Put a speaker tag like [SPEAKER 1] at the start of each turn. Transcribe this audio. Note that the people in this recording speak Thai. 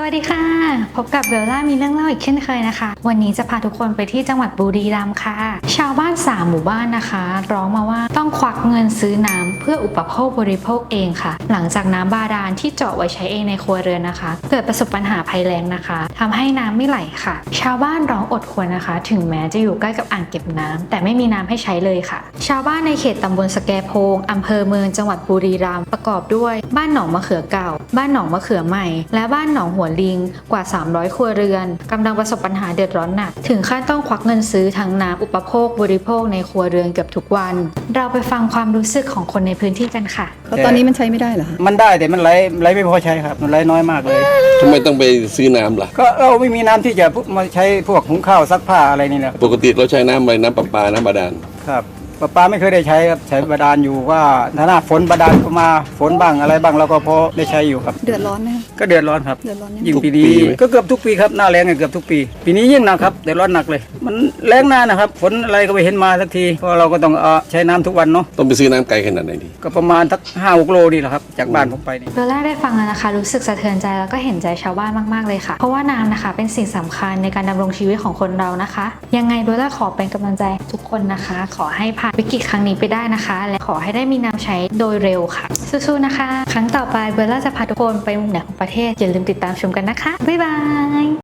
[SPEAKER 1] วัสดีค่ะพบกับเบลล่ามีเรื่องเล่าอีกเช่นเคยนะคะวันนี้จะพาทุกคนไปที่จังหวัดบุรีรัมย์ค่ะชาวบ้าน3หมู่บ้านนะคะร้องมาว่าต้องควักเงินซื้อน้ำเพื่ออุปโภคบริโภคเองค่ะหลังจากน้ำบาดาลที่เจาะไว้ใช้เองในครัวเรือนนะคะเกิดประสบปัญหาภัยแล้งนะคะทำให้น้ำไม่ไหลค่ะชาวบ้านร้องอดครวญนะคะ ถึงแม้จะอยู่ใกล้กับอ่างเก็บน้ำแต่ไม่มีน้ำให้ใช้เลยค่ะชาวบ้านในเขตตำบลสแกโพงอำเภอเมืองจังหวัดบุรีรัมย์ประกอบด้วยบ้านหนองมะเขือเก่าบ้านหนองมะเขือใหม่และบ้านหนองหัวลิงกว่า300ครัวเรือนกำลังประสบปัญหาเดือดร้อนหนักถึงขั้นต้องควักเงินซื้อทั้งน้ำอุปโภคบริโภคในครัวเรือนเกือบทุกวันเราไปฟังความรู้สึกของคนในพื้นที่กันค่ะ
[SPEAKER 2] แล้วตอนนี้มันใช้ไม่ได้เหรอคะ
[SPEAKER 3] มันได้แต่มันไหลไม่พอใช้ครับมันไหลน้อยมากเลย
[SPEAKER 4] ทำไมต้องไปซื้อน้ำล่ะ
[SPEAKER 3] ก็เราไม่มีน้ำที่จะมาใช้พวกหุงข้าวซักผ้าอะไรนี่แหละ
[SPEAKER 4] ปกติเราใช้น้ำอะไรน้ำประปาน้ำบาดาล
[SPEAKER 3] ครับประปาไม่เคยได้ใช้ครับใช้บาดาลอยู่ว่าถ้าหน้าฝนบาดาลก็มาฝนบ้างอะไรบ้างเราก็พอได้ใช้อยู่ครับ
[SPEAKER 2] เดือดร้อนไหมคะ
[SPEAKER 3] ก็เดือดร้อนครับ
[SPEAKER 2] เดือดร้อนยังไง
[SPEAKER 3] ยิ่งปีนี้ก็เกือบทุกปีครับหน้าแล้งเกือบทุกปีปีนี้ยิ่งหนักครับเดือดร้อนหนักเลยมันแล้งนานนะครับฝนอะไรก็ไม่เห็นมาสักทีเพราะเราก็ต้องใช้น้ำทุกวันเนาะ
[SPEAKER 4] ต้องไปซื้อน้ำไกลขนาดไหนดี
[SPEAKER 3] ก็ประมาณสัก5-6 โลนี่แหละครับจากบ้านผมไปนี่
[SPEAKER 1] เบลล่าได้ฟังแล้วนะคะรู้สึกสะเทือนใจแล้วก็เห็นใจชาวบ้านมากๆเลยค่ะเพราะว่าน้ำนะคะเป็นสิ่งสำคัญในการดำรงชีวิตของคนเรานะคะยังไงเบลล่าขอเป็นกำลังใจทุกคนนะคะขอให้ผ่านวิกฤตครั้งนี้ไปได้นะคะและขอให้ได้มีน้ำใช้โดยเร็วค่ะสู้ๆนะคะครั้งต่อไปเบลล่าจะพาทุกคนไปมุมไหนของประเทศอย่าลืมติดตามชมกันนะคะบ๊ายบาย